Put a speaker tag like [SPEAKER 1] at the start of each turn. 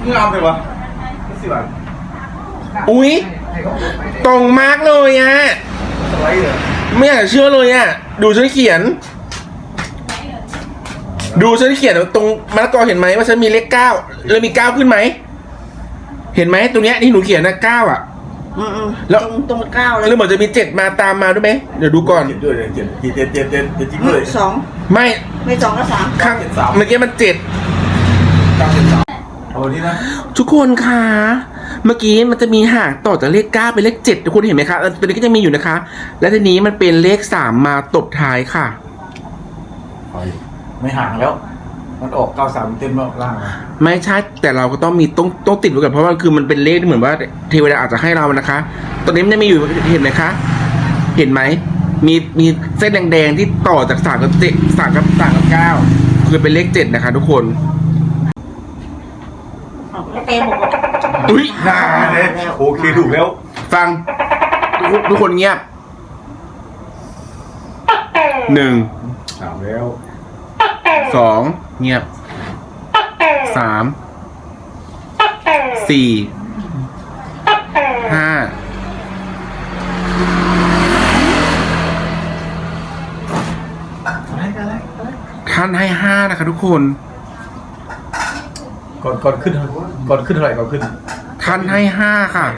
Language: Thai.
[SPEAKER 1] งามเลยวะสิบบาท
[SPEAKER 2] อุ๊ยตรงมากเลยอ่ะ
[SPEAKER 1] สไลด์เลย
[SPEAKER 2] ไม่อยากจะเชื่อเลยอ่ะดูฉันเขียนตรงมะละกอเห็นไหมว่าฉันมีเลข9แล้วมี9ขึ้นไหมเห็นไหมตรงเนี้ยที่หนูเขียนนะ9อ่ะ
[SPEAKER 3] แล้วตรง9เลย
[SPEAKER 2] แล้วเหมือนจะมี7มาตามมาด้วยไหมเดี๋ยวดูก่อน
[SPEAKER 1] เจ็ดด้วยเจ็ดจริงด้วย
[SPEAKER 3] 2
[SPEAKER 2] ไม่
[SPEAKER 3] 2ก็3
[SPEAKER 2] ข้างเมื่อกี้มัน7
[SPEAKER 1] เอาที่นะ
[SPEAKER 2] ทุกคนคะเมื่อกี้มันจะมีห่างต่อจากเลข9เป็นเลข7ทุกคนเห็นไหมคะตัวนี้ก็จะมีอยู่นะคะและทีนี้มันเป็นเลข3มาตบท้ายค่ะ
[SPEAKER 1] ไม่ห่างแล้วมันออก93เต็มรอบล่าง
[SPEAKER 2] ไม่ใช่แต่เราก็ต้องมีต้องติดไว้ก่อนเพราะว่าคือมันเป็นเลขที่เหมือนว่าเทวดาอาจจะให้เรานะคะตอนนี้มันจะมีอยู่เห็นไหมคะเห็นไหมมีเส้นแดงๆที่ต่อจาก3กับ7 3กับ9คือเป็นเลข7นะคะทุกคน
[SPEAKER 3] เต็มหมด
[SPEAKER 2] อุ้ย
[SPEAKER 1] เลยโอเคถูกแล้ว
[SPEAKER 2] ฟังทุกคนเงียบ1
[SPEAKER 1] 3แล้ว
[SPEAKER 2] 2เงียบ3 4 5ท่านให้5นะคะทุกคน
[SPEAKER 1] ก่อนขึ้นเท่าไหร่ก่อนขึ้น
[SPEAKER 2] ท่านให้5ค่ะ